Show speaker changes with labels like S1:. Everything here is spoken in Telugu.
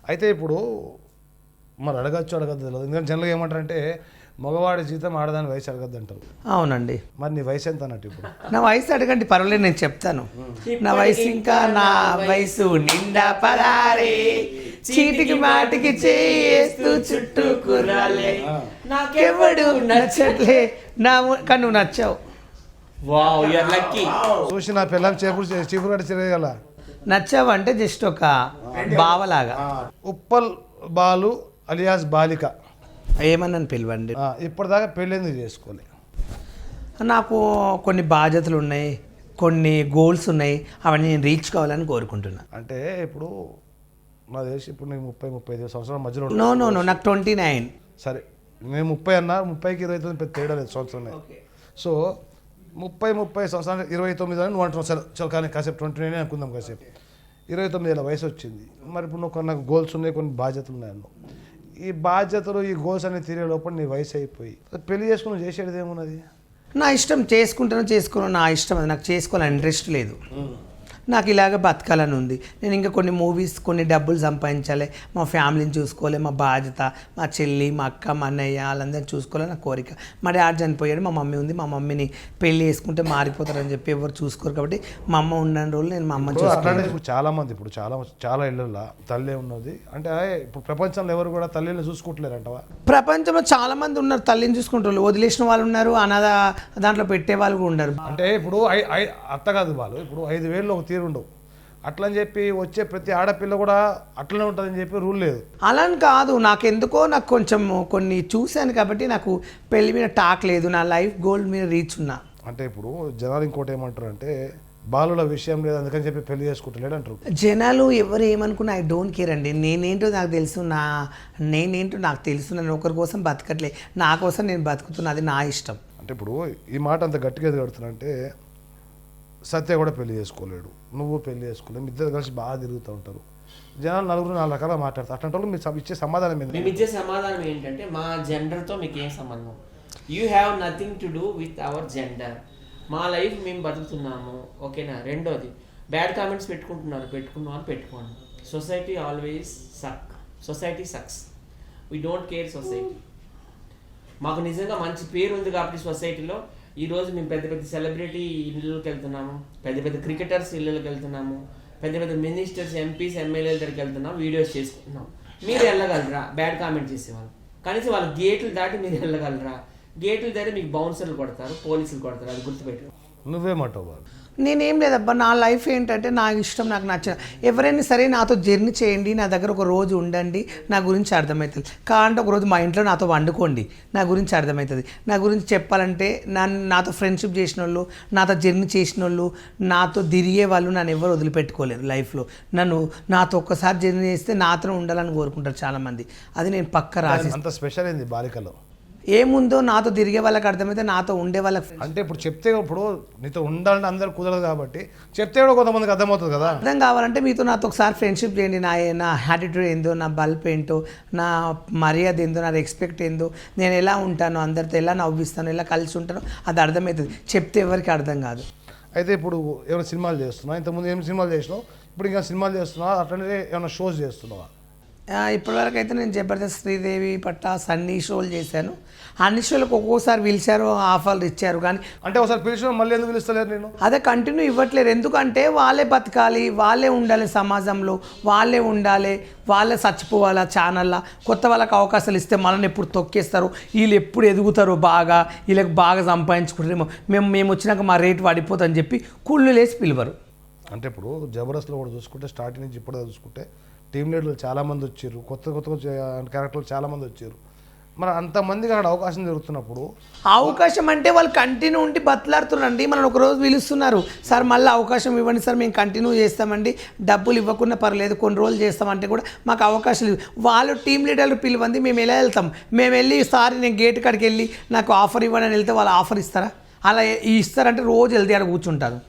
S1: అయితే ఇప్పుడు మరి అడగచ్చు అడగద్దు తెలియదు, ఎందుకంటే జనరల్గా ఏమంటారంటే మగవాడి జీతం ఆడదాని వయసు అడగద్దు అంటారు.
S2: అవునండి.
S1: మరి నీ వయసు ఎంత అన్నట్టు ఇప్పుడు?
S2: నా వయసు అడగండి, పర్వాలేదు, నేను చెప్తాను. నా వయసు ఇంకా నా వయసు నిండా పదారే, చీటికి మాటికి చేస్తూ చుట్టూ కుర్రాలే, నాకెవడు నచ్చట్లే కానీ నువ్వు నచ్చావు.
S3: Wow, you are lucky.
S1: చూసి నా పిల్లలు చీపురు కట్టి తిరగల.
S2: నచ్చావు అంటే జస్ట్ ఒక బావలాగా.
S1: ఉప్పల్ బాలు అలియాస్ బాలిక
S2: ఏమన్నాను పిలవండి.
S1: ఇప్పటిదాకా పెళ్ళి చేసుకోలే.
S2: నాకు కొన్ని బాధ్యతలు ఉన్నాయి, కొన్ని గోల్స్ ఉన్నాయి, అవన్నీ నేను రీచ్ కావాలని కోరుకుంటున్నా.
S1: అంటే ఇప్పుడు నా తెలిసి ఇప్పుడు నీకు 30-35 సంవత్సరాల మధ్యలో.
S2: నో నాకు 29.
S1: సరే, నేను 30 అన్నా, 30కి 29 పెద్ద తేడా లేదు సంవత్సరమే. సో 30 సంవత్సరాలు 29 అని నువ్వు అంటున్నావు. సరే చలో, కానీ కాసేపు 29 అనుకుందాం. కాసేపు 29 ఏళ్ళ వయసు వచ్చింది. మరి ఇప్పుడు నువ్వు నాకు గోల్స్ ఉన్నాయి, కొన్ని బాధ్యతలు ఉన్నాయి అన్నావు. ఈ బాధ్యతలు, ఈ గోల్స్ అనేది తీరే లోపల నీ వయసు అయిపోయి పెళ్లి చేసుకుని చేసేది ఏమున్నది?
S2: నా ఇష్టం, చేసుకోను, నా ఇష్టం. అది నాకు చేసుకోవాలని ఇంట్రెస్ట్ లేదు. నాకు ఇలాగ బతకాలని ఉంది. నేను ఇంకా కొన్ని మూవీస్, కొన్ని డబ్బులు సంపాదించాలి, మా ఫ్యామిలీని చూసుకోవాలి, మా బాధ్యత, మా చెల్లి, మా అక్క, మా అన్నయ్య వాళ్ళందరినీ చూసుకోవాలని నా కోరిక. మా డాడీ చనిపోయాడు, మా మమ్మీ ఉంది. మా మమ్మీని పెళ్లి చేసుకుంటే మారిపోతారని చెప్పి ఎవరు చూసుకోరు, కాబట్టి మా అమ్మ ఉన్న రోజులు నేను మా అమ్మ చూసుకోవాలి.
S1: ఇప్పుడు చాలా మంది, ఇప్పుడు చాలా ఇళ్ళల్లో తల్లి ఉన్నది అంటే, ఇప్పుడు ప్రపంచంలో ఎవరు కూడా తల్లిని చూసుకుంటలేరు అంటవా?
S2: ప్రపంచంలో చాలా మంది ఉన్నారు తల్లిని చూసుకుంటారు, వదిలేసిన వాళ్ళు ఉన్నారు, అనాథ దాంట్లో పెట్టే వాళ్ళు కూడా ఉన్నారు.
S1: అంటే ఇప్పుడు అత్త కాదు వాళ్ళు, ఇప్పుడు 5,000 ఒక తీరు ఉండవు. అట్లని చెప్పి వచ్చే ప్రతి ఆడపిల్ల కూడా అట్లనే ఉంటుందని చెప్పి రూల్ లేదు.
S2: అలా కాదు, నాకెందుకో నాకు కొంచెం కొన్ని చూశాను కాబట్టి నాకు పెళ్లి మీద టాక్ లేదు, నా లైఫ్ గోల్ మీద రీచ్ ఉన్నా.
S1: అంటే ఇప్పుడు జనాలు ఇంకోటి ఏమంటారు అంటే, బాలుల విషయం లేదు అందుకని చెప్పి పెళ్లి చేసుకుంటలేడు అంటారు.
S2: జనాలు ఎవరు ఏమనుకున్నా ఐ డోంట్ కేర్ అండి. నేనేంటో నాకు తెలుసు, నేనేంటో నాకు తెలుసు. నేను ఒకరి కోసం బతకట్లే, నా కోసం నేను బతుకుతున్నా, అది నా ఇష్టం.
S1: అంటే ఇప్పుడు ఈ మాట అంత గట్టిగా ఎదుగుతున్నా అంటే, సత్య కూడా పెళ్లి చేసుకోలేడు, నువ్వు పెళ్లి చేసుకోలేవు, ఇద్దరు కలిసి బాగా తిరుగుతూ ఉంటారు. జనాలు 4 రకాలుగా మాట్లాడతారు. అట్లాంటి మీరు ఇచ్చే సమాధానం ఏంటి?
S3: మేము ఇచ్చే సమాధానం ఏంటంటే, మా జెండర్తో మీకు ఏం సంబంధం? You have nothing to do with our gender. మా లైఫ్ మేము బతుకుతున్నాము, ఓకేనా? రెండోది, బ్యాడ్ కామెంట్స్ పెట్టుకున్నాను పెట్టుకోండి. Society always society sucks. We don't care society. మాకు నిజంగా మంచి పేరు ఉంది కాబట్టి సొసైటీలో ఈరోజు మేము పెద్ద పెద్ద సెలబ్రిటీ ఇళ్ళకి వెళ్తున్నాము, పెద్ద పెద్ద క్రికెటర్స్ ఇళ్ళకి వెళ్తున్నాము, పెద్ద పెద్ద మినిస్టర్స్, ఎంపీస్, ఎమ్మెల్యేల దగ్గరికి వెళ్తున్నాం, వీడియోస్ చేసుకుంటున్నాం. మీరు వెళ్ళగలరా? బ్యాడ్ కామెంట్ చేసేవాళ్ళు కనీసం వాళ్ళ గేట్లు దాటి మీరు వెళ్ళగలరా? గేట్లు దాటి మీకు బౌన్సర్లు కొడతారు, పోలీసులు కొడతారు, అది గుర్తుపెట్టు.
S1: నువ్వేమంటావు?
S2: నేనేం లేదబ్బా, నా లైఫ్ ఏంటంటే నా ఇష్టం, నాకు నచ్చిన ఎవరైనా సరే నాతో జర్నీ చేయండి, నా దగ్గర ఒక రోజు ఉండండి, నా గురించి అర్థమవుతుంది. కావాలంటే ఒక రోజు మా ఇంట్లో నాతో వండుకోండి, నా గురించి అర్థమవుతుంది. నా గురించి చెప్పాలంటే నాతో ఫ్రెండ్షిప్ చేసిన వాళ్ళు, నాతో జర్నీ చేసిన వాళ్ళు, నాతో తిరిగే వాళ్ళు నన్ను ఎవరు వదిలిపెట్టుకోలేరు లైఫ్లో. నాతో ఒక్కసారి జర్నీ చేస్తే నాతో ఉండాలని కోరుకుంటారు చాలామంది. అది నేను పక్క రాసి.
S1: అంత స్పెషల్ ఏంది బాలికలో?
S2: ఏముందో నాతో తిరిగే వాళ్ళకి అర్థమైతే, నాతో ఉండే వాళ్ళకి.
S1: అంటే ఇప్పుడు చెప్తే, ఇప్పుడు నీతో ఉండాలంటే అందరు కుదరదు కాబట్టి చెప్తే కూడా కొంతమందికి అర్థమవుతుంది కదా.
S2: అర్థం కావాలంటే మీతో నాతో ఒకసారి ఫ్రెండ్షిప్ చేయండి. నా యాటిట్యూడ్ ఏందో, నా బల్బ్ ఏంటో, నా మర్యాద ఏందో, నా రెస్పెక్ట్ ఏందో, నేను ఎలా ఉంటానో, అందరితో ఎలా నవ్విస్తాను, ఎలా కలిసి ఉంటానో అది అర్థమవుతుంది. చెప్తే ఎవరికి అర్థం కాదు.
S1: అయితే ఇప్పుడు ఏమైనా సినిమాలు చేస్తున్నావు? ఇంతకుముందు ఏం సినిమాలు చేసినావు? ఇప్పుడు ఇంకా సినిమాలు చేస్తున్నావా? అట్లనే ఏమైనా షోస్ చేస్తున్నావా?
S2: ఇప్పటివరకు అయితే నేను జబర్దస్త్, శ్రీదేవి పట్టాస్ అన్ని షోలు చేశాను. అన్ని షోలకు ఒక్కోసారి పిలిచారు, ఆఫర్లు ఇచ్చారు. కానీ
S1: అంటే ఒకసారి పిలిచిన మళ్ళీ ఎందుకు పిలుస్తలేరు? నేను
S2: అదే కంటిన్యూ ఇవ్వట్లేరు. ఎందుకంటే వాళ్ళే బతకాలి, వాళ్ళే ఉండాలి సమాజంలో, వాళ్ళే ఉండాలి, వాళ్ళే చచ్చిపోవాలి ఛానల్లో. కొత్త వాళ్ళకి అవకాశాలు ఇస్తే మనల్ని ఎప్పుడు తొక్కేస్తారు, వీళ్ళు ఎప్పుడు ఎదుగుతారు, బాగా వీళ్ళకి బాగా సంపాదించుకుంటారేమో, మేము వచ్చినాక మా రేటు పడిపోతుందని చెప్పి కుళ్ళు లేసి పిలవరు.
S1: అంటే ఇప్పుడు జబర్దస్త్లో కూడా చూసుకుంటే, స్టార్టింగ్ నుంచి ఇప్పుడు చూసుకుంటే టీమ్ లీడర్లు చాలామంది వచ్చారు, కొత్త క్యారెక్టర్లు చాలామంది వచ్చారు. మరి అంతమందికి అక్కడ అవకాశం జరుగుతున్నప్పుడు,
S2: అవకాశం అంటే వాళ్ళు కంటిన్యూ ఉండి బతలాడుతున్నారండి. మనం ఒకరోజు పిలుస్తున్నారు, సార్ మళ్ళీ అవకాశం ఇవ్వండి సార్, మేము కంటిన్యూ చేస్తామండి, డబ్బులు ఇవ్వకుండా పర్లేదు, కొన్ని రోజులు చేస్తామంటే కూడా మాకు అవకాశాలు వాళ్ళు టీమ్ లీడర్లు పిలువండి, మేము ఎలా వెళ్తాం? మేము వెళ్ళి సార్ నేను గేట్ కాడికి వెళ్ళి నాకు ఆఫర్ ఇవ్వండి అని వెళ్తే వాళ్ళు ఆఫర్ ఇస్తారా? అలా ఇస్తారంటే రోజు వెళ్తే అక్కడ కూర్చుంటారు.